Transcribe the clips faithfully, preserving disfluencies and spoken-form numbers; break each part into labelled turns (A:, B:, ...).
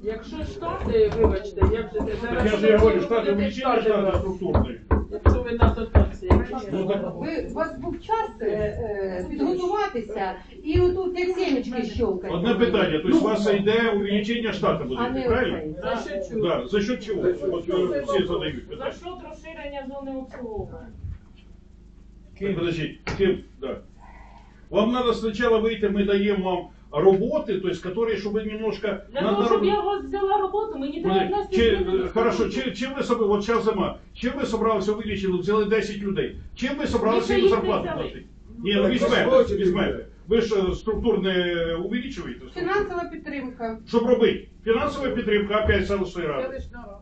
A: Якщо штати, вибачте, як же ти зараз...
B: Я же я говорю, штати увеличення, штати структурної.
A: Якщо ви на дотації.
B: Ну, так,
C: Ви, у вас був час е, е, підготуватися і отут як сімечки щелкати.
B: одне питання, то есть у вас йде увеличення штату
C: А
B: буде,
C: не
B: правильно?
C: оцей.
A: За що чую?
B: Да, за счет чего? Вот э, все задают
A: За
B: питання.
A: що розширення зони обслуговування?
B: Так, подожди, Ким, да. Вам надо сначала выйти, мы даем вам работы, то есть которые, чтобы немножко...
A: Для
B: на-
A: того,
B: на-
A: щоб я у вас взяла роботу, мені треба
B: Подожди,
A: внести
B: чи-
A: зміни до
B: Хорошо,
A: статуту.
B: чи, чим ви собі, от зараз зима, чим ви собралися увеличити, взяли десять людей, чим ви собралися
A: Ми
B: їм
A: ще їх не
B: зарплату
A: взяли.
B: платити? Ні, ну візьмете, візьмете. Ви ж е, структурне увеличуєте?
C: Фінансова підтримка.
B: Щоб робити? Фінансова підтримка, опять селищної ради.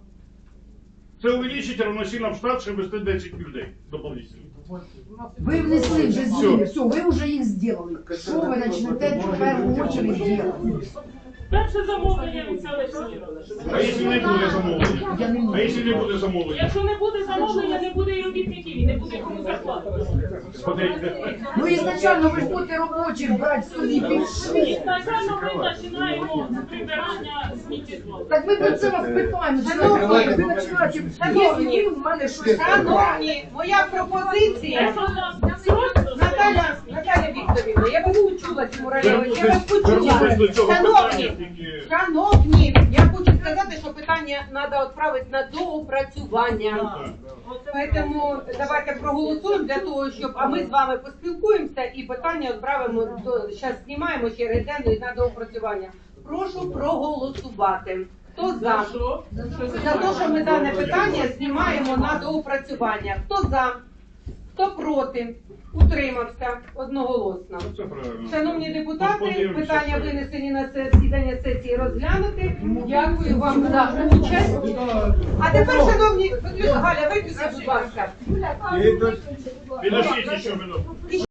B: Це увеличить равносильно в штат, щоб вести десять людей дополнительно.
D: Ви внесли вже
B: Всё.
D: зміни, все, ви вже їх зробили. Що ви почнете в першу очередь робити?
A: Перше замовлення від селищної ради.
B: А якщо не буде замовлення?
D: Я не
B: А
D: можу.
B: якщо не буде замовлення?
A: Якщо не буде замовлення, не буде і робітників, і не буде кому зарплати.
B: Смотрите.
D: Ну ізначально ви ж будете робочих брати собі пішли.
A: Ізначально ми починаємо з прибирання сміттєзвалу.
D: Так ми про це вас питаємо.
C: Шановні,
D: Ви починаєте,
C: шановні,
D: в мене щось.
C: Шановні, моя пропозиція.
A: Якщо у нас просто...
C: Наталя, Наталя Вікторівна, я вас почула цьому районі, я вас
B: Вернемось до
C: почула.
B: цього
C: Шановні,
B: питання. тільки-
C: шановні, я хочу сказати, що питання треба відправити на доопрацювання. Тому давайте проголосуємо для того, щоб, а ми з вами поспілкуємося і питання відправимо, до, зараз знімаємо ще реденду на доопрацювання. Прошу проголосувати. Хто за?
A: За що?
C: За те, що ми дане питання знімаємо на доопрацювання. Хто за? Хто проти? Утримався одноголосно.
B: Ну, це правильно.
C: Шановні депутати,
B: Подивимося,
C: питання
B: що-
C: винесені на засідання сесії розглянути. Дякую вам за участь. А тепер, шановні, Галя, виключіть, будь ласка.
B: Підождіть ще минуту.